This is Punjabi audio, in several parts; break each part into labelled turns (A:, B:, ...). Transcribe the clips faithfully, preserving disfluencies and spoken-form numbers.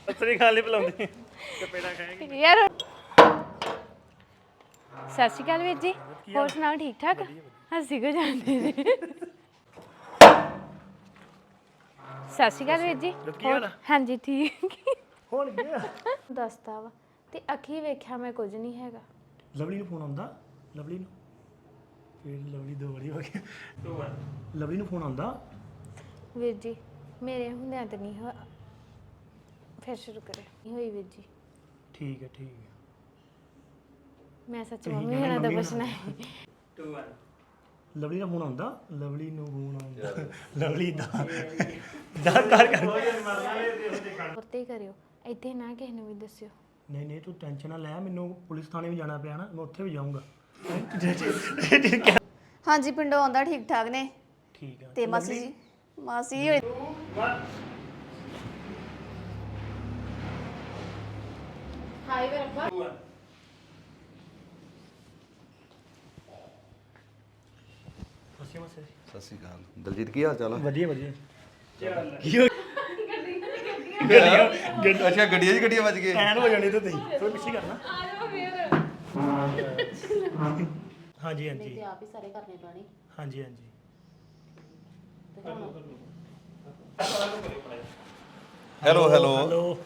A: ਅਸਰੀ ਖਾਲੀ ਬੁਲਾਉਂਦੀ ਚਪੇੜਾ ਖਾਏਗੀ
B: ਯਾਰ ਸਤਿ ਸ਼੍ਰੀ ਅਕਾਲ ਵੀਰ ਜੀ ਹੋਰ ਸੁਣਾਓ ਠੀਕ ਠਾਕ ਹੱਸੀ ਕੋ ਜਾਂਦੇ ਨੇ ਸਤਿ ਸ਼੍ਰੀ ਅਕਾਲ ਵੀਰ ਜੀ ਹੋਰ ਹਾਂਜੀ ਠੀਕ
A: ਹੁਣ ਗਿਆ
B: ਦੱਸਦਾ ਵਾ ਤੇ ਅੱਖੀ ਵੇਖਿਆ ਮੈਂ ਕੁਝ ਨਹੀਂ ਹੈਗਾ
A: ਲਵਲੀ ਨੂੰ ਫੋਨ ਆਉਂਦਾ ਲਵਲੀ ਨੂੰ ਫਿਰ ਲਵਲੀ ਦੋ ਵਾਰੀ ਹੋ ਗਿਆ ਲਵਲੀ ਨੂੰ ਫੋਨ ਆਉਂਦਾ
B: ਵੀਰ ਜੀ ਮੇਰੇ ਹੁੰਦਿਆਂ ਤੇ ਨਹੀਂ ਹੋਇਆ ਫਿਰ ਸ਼ੁਰੂ ਕਰੇ ਨਹੀਂ ਹੋਈ ਵੀਰ ਜੀ
A: ਠੀਕ ਹੈ ਠੀਕ ਹੈ
B: ਮੈਂ ਸੱਚ ਮੰਮੀ ਹੁਣਾਂ ਦਾ ਪੁੱਛਣਾ ਹੈ
A: ਲਵਲੀ ਦਾ ਫੋਨ ਆਉਂਦਾ ਲਵਲੀ ਨੂੰ ਫੋਨ ਆਉਂਦਾ ਲਵਲੀ ਦਾ ਦਾ ਕਰ ਕਰ
B: ਵਰਤੇ ਹੀ ਕਰਿਓ ਇੱਥੇ ਨਾ ਕਿਸੇ ਨੂੰ ਵੀ ਦੱਸਿਓ
A: ਨਹੀਂ ਨਹੀਂ ਤੂੰ ਟੈਨਸ਼ਨ ਨਾ ਲੈ ਮੈਨੂੰ ਪੁਲਿਸ ਥਾਣੇ ਵੀ ਜਾਣਾ ਪਿਆ ਨਾ ਮੈਂ ਉੱਥੇ ਵੀ ਜਾਊਂਗਾ
C: ਹਾਂਜੀ ਪਿੰਡੋਂ ਆਉਂਦਾ ਠੀਕ ਠਾਕ ਨੇ
A: ਠੀਕ ਹੈ
C: ਤੇ ਮਾਸੀ ਜੀ ਮਾਸੀ ਹੋਏ
B: ਹਾਈ ਵੇ ਰੱਬਾ
A: ਅਸੀਂ ਮਸੇ
D: ਸਤਿ ਸ਼੍ਰੀ ਅਕਾਲ ਦਲਜੀਤ ਕੀ ਹਾਲ ਚਾਲ ਆ
A: ਵਧੀਆ ਵਧੀਆ ਕੀ ਹੋ
D: ਅੱਛਾ ਗੱਡੀਆਂ ਜੀ ਗੱਡੀਆਂ ਵੱਜ ਗਏ
A: ਐਨ ਹੋ ਜਾਣੀ ਤੇ ਤੁਸੀਂ ਥੋੜਾ ਪਿੱਛੇ ਕਰਨਾ
B: ਆ ਜਾਓ ਫੇਰ
A: ਹਾਂਜੀ ਹਾਂਜੀ
E: ਤੇ ਆਪ ਹੀ ਸਾਰੇ ਕਰਨੇ ਪੈਣੇ
A: ਹਾਂਜੀ ਹਾਂਜੀ
D: hello hello
A: hello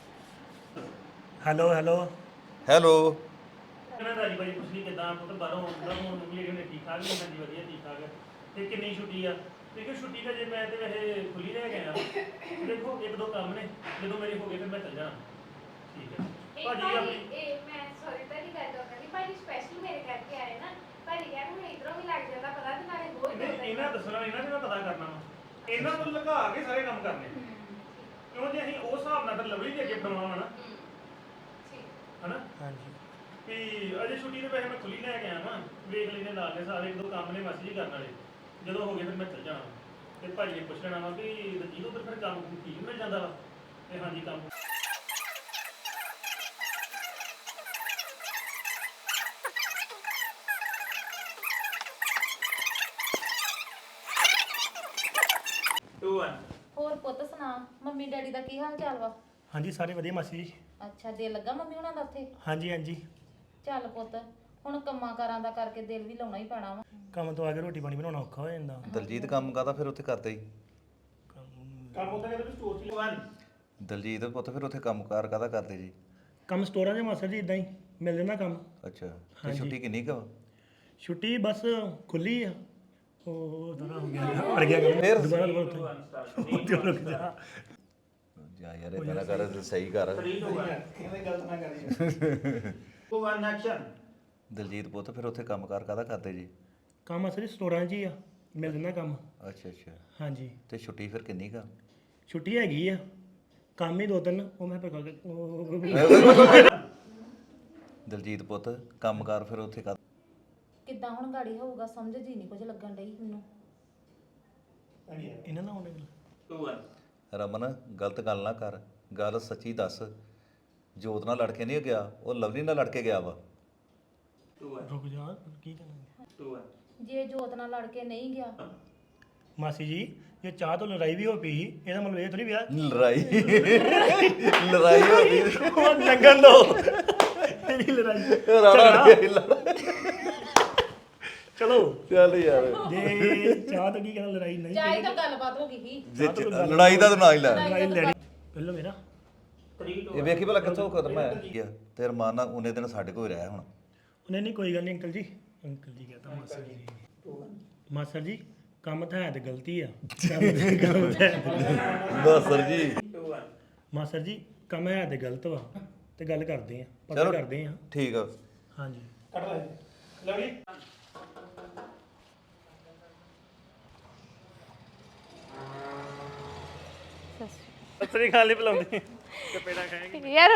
A: hello hello
D: hello
A: ਕਹਿੰਦਾ ਰਾਜੀ ਬਾਈ ਪੁੱਛ ਲਈ ਕਿਦਾਂ ਪੁੱਤ ਬਾਹਰੋਂ ਆਉਂਦਾ ਹੁਣ ਮੰਮੀ ਜਿਹੜੇ ਠੀਕ ਠਾਕ ਨੇ ਹਾਂਜੀ ਵਧੀਆ ਠੀਕ ਠਾਕ ਤੇ ਕਿੰਨੀ ਛੁੱਟੀ ਆ ਦੇਖੋ ਛੁੱਟੀ ਤਾਂ ਜੇ ਮੈਂ ਤੇ ਵੈਸੇ ਖੁੱਲੀ ਰਹਿ ਗਿਆ ਦੇਖੋ ਇੱਕ ਦੋ ਕੰਮ ਨੇ ਜਦੋਂ ਮੇਰੇ ਹੋ ਗਏ ਫਿਰ ਮੈਂ ਚੱਲ ਜਾਣਾ ਠੀਕ ਹੈ ਭਾਜੀ ਆਪਣੀ
F: ਇਹ ਮੈਂ ਸੌਰੀ ਤਾਂ ਨਹੀਂ ਕਰਦਾ ਕਹਿੰਦੀ ਭਾਜੀ ਸਪੈਸ਼ਲ ਮੇਰੇ ਕਰਕੇ ਆਏ ਨਾ ਭਾਜੀ ਕਹਿੰਦੇ ਹੁਣ ਇਧਰੋਂ ਵੀ ਲੱਗ ਜਾਂਦਾ ਪਤਾ ਤੇ ਨਾਲੇ ਬਹੁਤ
A: ਇਹਨੇ- ਇਹਨਾਂ ਦੱਸਣਾ ਨਹੀਂ ਨਾ ਜਿਹੜਾ ਪਤਾ ਕਰਨਾ ਵਾ ਇਹਨਾਂ ਨੂੰ ਲਗਾ ਕੇ ਸਾਰੇ ਕੰਮ ਕਰਨੇ ਕਿਉਂ ਜੇ ਅਸੀਂ ਉਸ ਹਿਸਾਬ ਨਾਲ ਫਿਰ ਲਵਲੀ ਦੇ ਅੱਗੇ ਬਣਾਉਣਾ ਨਾ ਹਨਾ ਹਾਂਜੀ ਵੀ ਅਜੇ ਛੁੱਟੀ ਦੇ ਪੈਸੇ ਮੈਂ ਖੁੱਲੀ ਲੈ ਕੇ ਆਇਆ ਵਾਂ ਵੇਖ ਲੈਨੇ ਨਾਲ ਦੇ ਸਾਰੇ ਇੱਕ ਦੋ ਕੰਮ ਨੇ ਮਾਸੀ ਜੀ ਕਰਨ ਵਾਲੇ ਜਦੋਂ ਹੋ ਗਏ ਫਿਰ ਮੈਂ ਚੱਲ ਜਾਣਾ ਤੇ ਭਾਜੀ ਨੇ ਪੁੱਛ ਲੈਣਾ ਵਾ ਵੀ ਦਲਜੀਤ ਉਧਰ ਫਿਰ ਕੰਮ ਠੀਕ ਮਿਲ ਜਾਂਦਾ ਵਾ ਤੇ ਹਾਂਜੀ ਕੰਮ ਟੂ ਵਨ
E: ਹੋਰ ਪੁੱਤ ਸੁਣਾ ਮੰਮੀ ਡੈਡੀ ਦਾ ਕੀ ਹਾਲ ਚਾਲ ਵਾ
A: ਹਾਂਜੀ ਸਾਰੇ ਵਧੀਆ ਮਾਸੀ ਜੀ
E: ਅੱਛਾ ਦਿਲ ਲੱਗਾ ਮੰਮੀ ਹੁਣਾਂ ਦਾ ਉੱਥੇ
A: ਹਾਂਜੀ ਹਾਂਜੀ
E: ਚੱਲ ਪੁੱਤ ਹੁਣ ਕੰਮਾਂ ਕਾਰਾਂ ਦਾ ਕਰਕੇ ਦਿਲ ਵੀ ਲਾਉਣਾ ਹੀ ਪੈਣਾ ਵਾ
A: ਕੰਮ ਤੋਂ ਆ ਕੇ ਰੋਟੀ ਪਾਣੀ ਬਣਾਉਣਾ ਔਖਾ ਹੋ ਜਾਂਦਾ
D: ਦਲਜੀਤ ਕੰਮ ਕਾਹਦਾ ਫਿਰ ਉੱਥੇ ਕਰਦੇ ਹੀ
A: ਕੰਮ ਹੁੰਦਾ ਕਿ ਸਟੋਰ ਚ ਵਨ
D: ਦਲਜੀਤ ਪੁੱਤ ਫਿਰ ਉੱਥੇ ਕੰਮਕਾਰ ਕਾਹਦਾ ਕਰਦੇ ਜੀ
A: ਕੰਮ ਸਟੋਰਾਂ 'ਚ ਮਾਸਟਰ ਜੀ ਇਦਾਂ ਹੀ ਮਿਲ ਜਾਂਦਾ ਕੰਮ
D: ਅੱਛਾ ਤੇ ਛੁੱਟੀ ਕਿੰਨੀ ਕੁ ਵਾ
A: ਛੁੱਟੀ ਬਸ ਖੁੱਲੀ ਆ ਉਹ ਥੋੜਾ ਹੋ ਗਿਆ ਅੜ ਗਿਆ ਕੰਮ ਦੁਬਾਰਾ ਦੁਬਾਰਾ ਉੱਥੇ ਰੁਕ ਜਾ
D: ਜਾ ਯਾਰ ਇਦਾਂ ਨਾ ਕਰ ਸਹੀ ਕਰ ਦਲਜੀਤ ਪੁੱਤ ਫਿਰ ਉੱਥੇ ਕੰਮਕਾਰ ਕਾਹਦਾ ਕਰਦੇ ਜੀ
A: ਕੰਮ ਅਸਲੀ ਸਟੋਰਾਂ 'ਚ ਹੀ ਆ ਮਿਲ ਜਾਂਦਾ ਕੰਮ
D: ਅੱਛਾ ਅੱਛਾ
A: ਹਾਂਜੀ
D: ਤੇ ਛੁੱਟੀ ਫਿਰ ਕਿੰਨੀ ਕੁ ਆ?
A: ਛੁੱਟੀ ਹੈਗੀ ਆ ਕੰਮ ਹੀ ਦੋ ਤਿੰਨ ਉਹ ਮੈਂ ਪਕਾ ਕੇ
D: ਦਲਜੀਤ ਪੁੱਤ ਕੰਮਕਾਰ ਫਿਰ ਉੱਥੇ ਕਰ
E: ਕਿੱਦਾਂ ਹੁਣ ਗਾੜੀ ਹੋਊਗਾ ਸਮਝ ਜੀ ਨਹੀਂ ਕੁਝ ਲੱਗਣ ਡਈ ਮੈਨੂੰ
A: ਇਹਨਾਂ ਨਾਲ ਹੋਣੇ
D: ਰਮਨ ਗਲਤ ਗੱਲ ਨਾ ਕਰ ਗੱਲ ਸੱਚੀ ਦੱਸ ਜੋਤ ਨਾਲ ਲੜ ਕੇ ਨਹੀਂ ਗਿਆ ਉਹ ਲਵਲੀ ਨਾਲ ਲੜ ਕੇ ਗਿਆ ਵਾ
A: ਰੁਕ ਜਾ ਕੀ ਕਰਨਾ
E: ਜੇ ਜੋਤ ਨਾਲ ਲੜ ਕੇ ਨਹੀਂ ਗਿਆ
A: ਮਾਸੀ ਜੀ ਜੇ ਚਾਹ ਤੋਂ ਲੜਾਈ ਵੀ ਹੋ ਪਈ ਇਹਦਾ ਮਤਲਬ ਇਹ ਥੋੜੀ ਵਿਆਹ
D: ਲੜਾਈ ਲੜਾਈ ਹੋ ਗਈ
A: ਉਹ ਲੰਗਣ ਦੋ ਤੇਰੀ ਲੜਾਈ
D: ਰਾਣਾ ਗਿਆ ਲੜਾ
A: ਚਲੋ
D: ਚੱਲ ਯਾਰ
A: ਜੇ ਚਾਹ ਤੋਂ ਕੀ ਕਹਿੰਦਾ ਲੜਾਈ ਨਹੀਂ
E: ਚਾਹੀ ਤਾਂ ਗੱਲਬਾਤ ਹੋ ਗਈ ਸੀ
D: ਜੇ ਚ- ਲੜਾਈ ਦਾ ਤਾਂ ਨਾ ਹੀ ਲੈ
A: ਲੜਾਈ ਲੈਣੀ ਪਹਿਲਾਂ ਮੇਰਾ
D: ਇਹ ਵੇਖੀ ਭਲਾ ਕਿੱਥੋਂ ਖਤਮ ਹੈ ਤੇ ਰਮਾਨ ਨਾਲ ਉਹਨੇ ਦਿਨ ਸਾਡੇ ਕੋਲ ਰਿਹਾ ਹੁਣ
A: ਉਹਨੇ ਨਹੀਂ ਕੋਈ ਗੱਲ ਨਹੀਂ ਅੰਕਲ ਜੀ ਅੰਕਲ ਜੀ ਕਹਤਾ ਮਾਸਟਰ ਜੀ ਮਾਸਟਰ ਜੀ ਕੰਮ ਤਾਂ ਹੈ ਤੇ ਗਲਤੀ ਆ ਕੰਮ ਤਾਂ ਹੈ
D: ਬਸ ਸਰ ਜੀ
A: ਮਾਸਟਰ ਜੀ ਕੰਮ ਹੈ ਤੇ ਗਲਤ ਵਾ ਤੇ ਗੱਲ ਕਰਦੇ ਆ ਪਤਾ
D: ਚਲੋ।
A: ਕਰਦੇ ਆ
D: ਠੀਕ ਆ
A: ਹਾਂਜੀ ਕੱਟ ਲੈ ਲਵਲੀ ਅਸਰੀ ਖਾਲੀ ਬੁਲਾਉਂਦੀ ਚਪੇੜਾ ਖਾਏਗੀ
B: ਯਾਰ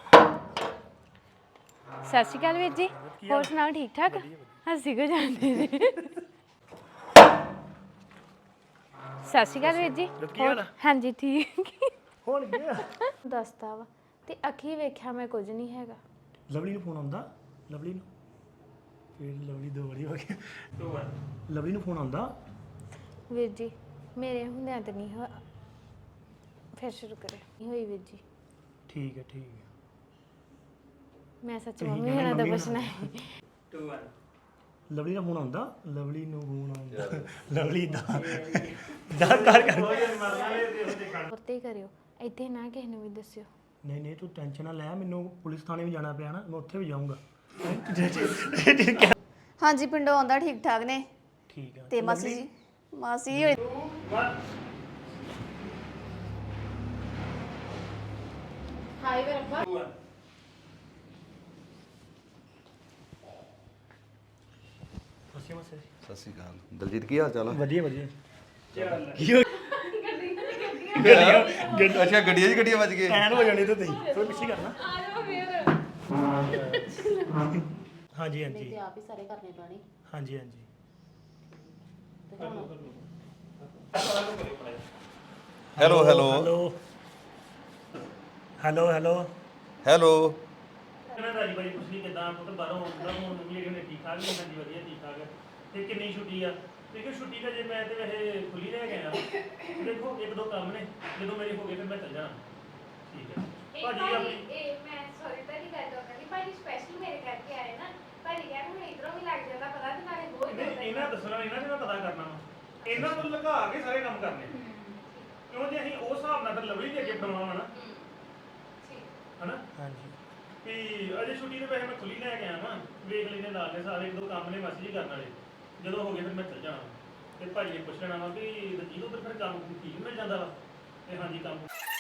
B: ਸਤਿ ਸ਼੍ਰੀ ਅਕਾਲ ਵੀਰ ਜੀ ਹੋਰ ਸੁਣਾਓ ਠੀਕ ਠਾਕ ਹੱਸੀ ਕੋ ਜਾਂਦੇ ਨੇ ਸਤਿ ਸ਼੍ਰੀ ਅਕਾਲ ਵੀਰ ਜੀ ਹੋਰ ਹਾਂਜੀ ਠੀਕ
A: ਹੁਣ ਗਿਆ
B: ਦੱਸਦਾ ਵਾ ਤੇ ਅੱਖੀ ਵੇਖਿਆ ਮੈਂ ਕੁਝ ਨਹੀਂ ਹੈਗਾ
A: ਲਵਲੀ ਨੂੰ ਫੋਨ ਆਉਂਦਾ ਲਵਲੀ ਨੂੰ ਫਿਰ ਲਵਲੀ ਦੋ ਵਾਰੀ ਹੋ ਗਿਆ ਲਵਲੀ ਨੂੰ ਫੋਨ ਆਉਂਦਾ
B: ਵੀਰ ਜੀ ਮੇਰੇ ਹੁੰਦਿਆਂ ਤੇ ਨਹੀਂ ਹੋਇਆ ਫਿਰ ਸ਼ੁਰੂ ਕਰੇ ਨਹੀਂ ਹੋਈ ਵੀਰ ਜੀ
G: ਠੀਕ ਹੈ ਠੀਕ ਹੈ
B: ਮੈਂ ਸੱਚ
G: ਤੁਸੀਂ
B: ਮੰਮੀ
G: ਕਹਿਣਾ
B: ਹੁਣਾਂ ਦਾ
G: ਮੰਮੀ
B: ਪੁੱਛਣਾ ਹੈ
G: ਲਵਲੀ ਦਾ ਫੋਨ ਆਉਂਦਾ ਲਵਲੀ ਨੂੰ ਫੋਨ ਆਉਂਦਾ ਲਵਲੀ ਦਾ ਜਾ ਕਰ ਕਰ
B: ਉੱਤੇ ਹੀ ਕਰਿਓ ਇੱਥੇ ਨਾ ਕਿਸੇ ਨੂੰ ਵੀ ਦੱਸਿਓ
G: ਨਹੀਂ ਨਹੀਂ ਤੂੰ ਟੈਨਸ਼ਨ ਨਾ ਲੈ ਮੈਨੂੰ ਪੁਲਿਸ ਥਾਣੇ ਵੀ ਜਾਣਾ ਪਿਆ ਨਾ ਮੈਂ ਉੱਥੇ ਵੀ ਜਾਊਂਗਾ
C: ਹਾਂਜੀ ਪਿੰਡੋਂ ਆਉਂਦਾ ਠੀਕ ਠਾਕ ਨੇ
G: ਠੀਕ ਹੈ
C: ਤੇ ਮਾਸੀ ਜੀ ਮਾਸੀ ਹੋਈ
E: ਹਾਈ ਵੇ ਰੱਬਾ
G: ਸੱਚੀ ਮਾਸੀ
D: ਸਤਿ ਸ਼੍ਰੀ ਅਕਾਲ ਦਲਜੀਤ ਕੀ ਹਾਲ ਚਾਲ ਆ
G: ਵਧੀਆ ਵਧੀਆ
A: ਚੱਲ
G: ਕੀ ਹੋ
D: ਅੱਛਾ ਗੱਡੀਆਂ 'ਚ ਗੱਡੀਆਂ ਵੱਜ ਗਏ
G: ਐਨ ਹੋ ਜਾਣੀ ਤੇ ਤੁਸੀਂ ਥੋੜਾ ਪਿੱਛੇ ਕਰਨਾ
F: ਆ ਜਾਓ ਫੇਰ
G: ਹਾਂਜੀ
E: ਨਹੀਂ
G: ਹਾਂਜੀ
E: ਤੇ ਆਪ ਹੀ ਸਾਰੇ ਕਰਨੇ ਪੈਣੇ
G: ਹਾਂਜੀ ਹਾਂਜੀ
E: ਤੇ ਹੁਣ
D: hello hello
G: hello hello hello
D: hello
A: ਕਹਿੰਦਾ ਰਾਜੀ ਬਾਈ ਪੁੱਛੀ ਕਿਦਾਂ ਪੁੱਤ ਬਾਹਰੋਂ ਆਉਂਦਾ ਹੁਣ ਮੰਮੀ ਜਿਹੜੇ ਨੇ ਠੀਕ ਠਾਕ ਨੇ ਹਾਂਜੀ ਵਧੀਆ ਠੀਕ ਠਾਕ ਹੈ। ਤੇ ਕਿੰਨੀ ਛੁੱਟੀ ਆ ਦੇਖੋ ਛੁੱਟੀ ਤਾਂ ਜੇ ਮੈਂ ਤੇ ਵੈਸੇ ਖੁੱਲੀ ਰਹਿ ਗਿਆ ਦੇਖੋ ਇੱਕ ਦੋ ਕੰਮ ਨੇ ਜਦੋਂ ਮੇਰੇ ਹੋ ਗਏ ਫਿਰ ਮੈਂ ਚੱਲ ਜਾਣਾ ਠੀਕ ਹੈ
F: ਇਹ
A: ਭਾਜੀ
F: ਭਾਜੀ
A: ਆਪਣੀ
F: ਇਹ ਮੈਂ ਸੌਰੀ ਤਾਂ ਨਹੀਂ ਕਰਦਾ ਕਹਿੰਦੀ ਭਾਜੀ ਸਪੈਸ਼ਲ ਮੇਰੇ ਕਰਕੇ ਆਏ ਨਾ ਭਾਜੀ ਕਹਿੰਦੇ ਹੁਣ ਇਧਰੋਂ ਵੀ ਲੱਗ ਜਾਂਦਾ ਪਤਾ ਤੇ ਨਾਲੇ ਬਹੁਤ
A: ਨਹੀਂ ਇਹਨਾਂ ਦੱਸਣਾ ਇਹਨਾਂ ਨੇ ਮੈਂ ਪਤਾ ਕਰਨਾ ਵਾ ਇਹਨਾਂ ਨੂੰ ਲਗਾ ਕੇ ਸਾਰੇ ਕੰਮ ਕਰਨੇ ਕਿਉਂ ਜੇ ਅਸੀਂ ਉਸ ਹਿਸਾਬ ਨਾਲ ਤਾਂ ਲਵਲੀ ਦੇ ਅੱਗੇ ਬਣਾਵਾਂ ਨਾ ਹਨਾ
G: ਹਾਂਜੀ
A: ਵੀ ਅਜੇ ਛੁੱਟੀ ਦੇ ਪੈਸੇ ਮੈਂ ਖੁੱਲੀ ਲੈ ਕੇ ਆਇਆ ਵਾਂ ਵੇਖ ਲੈਨੇ ਨਾਲ ਦੇ ਸਾਰੇ ਇੱਕ ਦੋ ਕੰਮ ਨੇ ਮਾਸੀ ਜੀ ਕਰਨ ਵਾਲੇ ਜਦੋਂ ਹੋ ਗਏ ਫਿਰ ਮੈਂ ਚੱਲ ਜਾਣਾ ਤੇ ਭਾਜੀ ਨੇ ਪੁੱਛ ਲੈਣਾ ਵਾ ਵੀ ਰਜੀਤ ਉਧਰ ਫਿਰ ਕੰਮ ਠੀਕ ਮਿਲ ਜਾਂਦਾ ਵਾ ਤੇ ਹਾਂਜੀ ਕੰਮ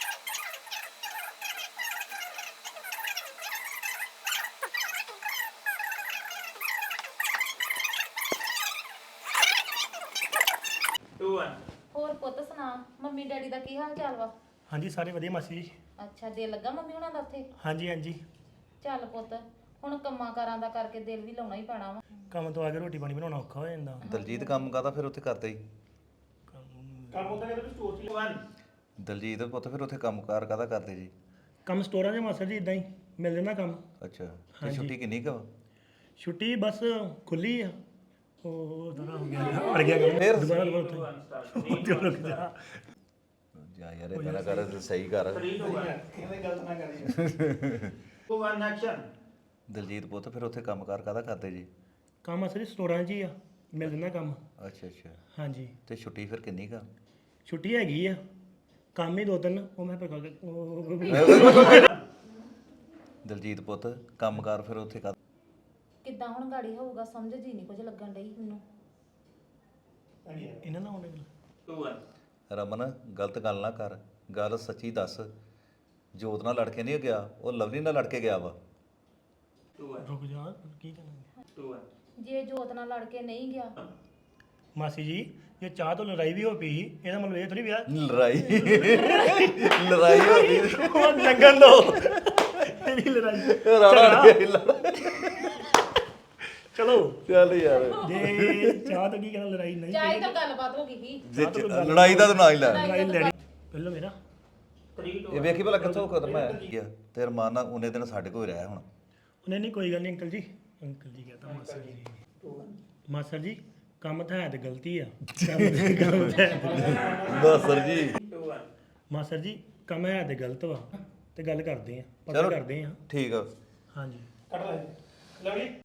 E: ਹੋਰ ਪੁੱਤ ਸੁਣਾ ਮੰਮੀ ਡੈਡੀ ਦਾ ਕੀ ਹਾਲ ਚਾਲ ਵਾ
G: ਹਾਂਜੀ ਸਾਰੇ ਵਧੀਆ ਮਾਸੀ ਜੀ
E: ਅੱਛਾ ਦਿਲ ਲੱਗਾ ਮੰਮੀ ਹੁਣਾਂ ਦਾ ਉੱਥੇ
G: ਹਾਂਜੀ ਹਾਂਜੀ
E: ਚੱਲ ਪੁੱਤ ਹੁਣ ਕੰਮਾਂ ਕਾਰਾਂ ਦਾ ਕਰਕੇ ਦਿਲ ਵੀ ਲਾਉਣਾ ਹੀ ਪੈਣਾ ਵਾ
G: ਕੰਮ ਤੋਂ ਆ ਕੇ ਰੋਟੀ ਪਾਣੀ ਬਣਾਉਣਾ ਔਖਾ ਹੋ ਜਾਂਦਾ
D: ਦਲਜੀਤ ਕੰਮ ਕਾਹਦਾ ਫਿਰ ਉੱਥੇ ਕਰਦੇ ਹੀ
A: ਕੰਮ ਹੁੰਦਾ ਕਿ ਸਟੋਰ 'ਚ
D: ਦਲਜੀਤ ਪੁੱਤ ਫਿਰ ਉੱਥੇ ਕੰਮਕਾਰ ਕਾਹਦਾ ਕਰਦੇ ਜੀ
G: ਕੰਮ ਸਟੋਰਾਂ 'ਚ ਮਾਸਟਰ ਜੀ ਇਦਾਂ ਹੀ ਮਿਲ ਜਾਂਦਾ ਕੰਮ
D: ਅੱਛਾ ਤੇ ਛੁੱਟੀ ਕਿੰਨੀ ਕੁ ਵਾ?
G: ਛੁੱਟੀ ਬਸ ਖੁੱਲੀ ਆ ਉਹ ਦੁਬਾਰਾ ਹੋ ਗਿਆ ਅੜ ਗਿਆ ਕੰਮ
D: ਫਿਰ?
G: ਦੁਬਾਰਾ ਦੁਬਾਰਾ ਉੱਥੇ ਉੱਥੇ ਰੁਕ ਜਾ
D: ਜਾ ਯਾਰ ਇਹ ਨਾ ਕਰ ਤੇ ਸਹੀ ਕਰ ਦਲਜੀਤ ਪੁੱਤ ਫਿਰ ਉੱਥੇ ਕੰਮਕਾਰ ਕਾਹਦਾ ਕਰਦੇ ਜੀ
G: ਕੰਮ ਮਾਸਟਰ ਜੀ ਸਟੋਰਾਂ 'ਚ ਹੀ ਆ ਮਿਲ ਜਾਂਦਾ ਕੰਮ
D: ਅੱਛਾ ਅੱਛਾ
G: ਹਾਂਜੀ
D: ਤੇ ਛੁੱਟੀ ਫਿਰ ਕਿੰਨੀ ਕੁ ਆ?
G: ਛੁੱਟੀ ਹੈਗੀ ਆ ਕੰਮ ਹੀ ਦੋ ਤਿੰਨ ਉਹ ਮੈਂ ਪਕਾ ਕੇ
D: ਦਲਜੀਤ ਪੁੱਤ ਕੰਮਕਾਰ ਫਿਰ ਉੱਥੇ ਕਰ
E: ਕਿੱਦਾਂ ਹੁਣ ਗਾੜੀ ਹੋਊਗਾ ਸਮਝ ਜੀ ਨਹੀਂ ਕੁਝ ਲੱਗਣ ਡਈ ਮੈਨੂੰ
G: ਇਹਨਾਂ ਦਾ ਆਉਣੇ
D: ਰਮਨ ਗਲਤ ਗੱਲ ਨਾ ਕਰ ਗੱਲ ਸੱਚੀ ਦੱਸ ਜੋਤ ਨਾਲ ਲੜ ਕੇ ਨਹੀਂ ਗਿਆ ਉਹ ਲਵਲੀ ਨਾਲ ਲੜ ਕੇ ਗਿਆ ਵਾ
G: ਰੁਕ ਜਾ ਕੀ ਕਹਿਣਾ
E: ਜੇ ਜੋਤ ਨਾਲ ਲੜ ਕੇ ਨਹੀਂ ਗਿਆ
G: ਮਾਸੀ ਜੀ ਇਹ ਚਾਹ ਤੋਂ ਲੜਾਈ ਵੀ ਹੋ ਪਈ ਸੀ, ਇਹਦਾ ਮਤਲਬ ਇਹ ਥੋੜੀ ਵਿਆਹ
D: ਲੜਾਈ ਲੜਾਈ ਹੋ ਗਈ
G: ਉਹ ਲੰਗਣ ਦੋ ਤੇਰੀ ਲੜਾਈ
D: ਰਾਣਾ ਅੜ ਗਿਆ
G: ਚਲੋ
D: ਚੱਲ ਯਾਰ
G: ਜੇ ਚਾਹ ਤੋਂ ਕੀ ਕਹਿਣਾ ਲੜਾਈ ਨਹੀਂ
E: ਚਾਹੀ ਤਾਂ ਗੱਲਬਾਤ ਹੋ ਗਈ ਸੀ
D: ਜੇ ਚ- ਲੜਾਈ ਦਾ ਤਾਂ ਨਾ ਹੀ ਲੈ
G: ਲੜਾਈ ਲੜੀ ਪਹਿਲਾਂ ਮੇਰਾ
D: ਇਹ ਵੇਖੀ ਭਲਾ ਕਿੱਥੋਂ ਖਤਮ ਹੈ ਤੇਰੇ ਮਾਂ ਨਾਲ ਉਹਨੇ ਦਿਨ ਸਾਡੇ ਕੋਲ ਰਿਹਾ ਹੁਣ
G: ਉਹਨੇ ਨਹੀਂ ਕੋਈ ਗੱਲ ਨਹੀਂ ਅੰਕਲ ਜੀ ਅੰਕਲ ਜੀ ਕਹਤਾ ਮਾਸਟਰ ਜੀ ਮਾਸਟਰ ਜੀ ਕੰਮ ਤਾਂ ਹੈ ਤੇ ਗਲਤੀ ਆ ਕੰਮ ਤਾਂ ਹੈ
D: ਮਾਸਟਰ ਜੀ
G: ਮਾਸਟਰ ਜੀ ਕੰਮ ਹੈ ਤੇ ਗਲਤ ਵਾ ਤੇ ਗੱਲ ਕਰਦੇ ਆ ਪਤਾ
D: ਚਲੋ।
G: ਕਰਦੇ ਆ
D: ਠੀਕ ਆ
G: ਹਾਂਜੀ
A: ਕੱਟ ਲੈ ਲਵਲੀ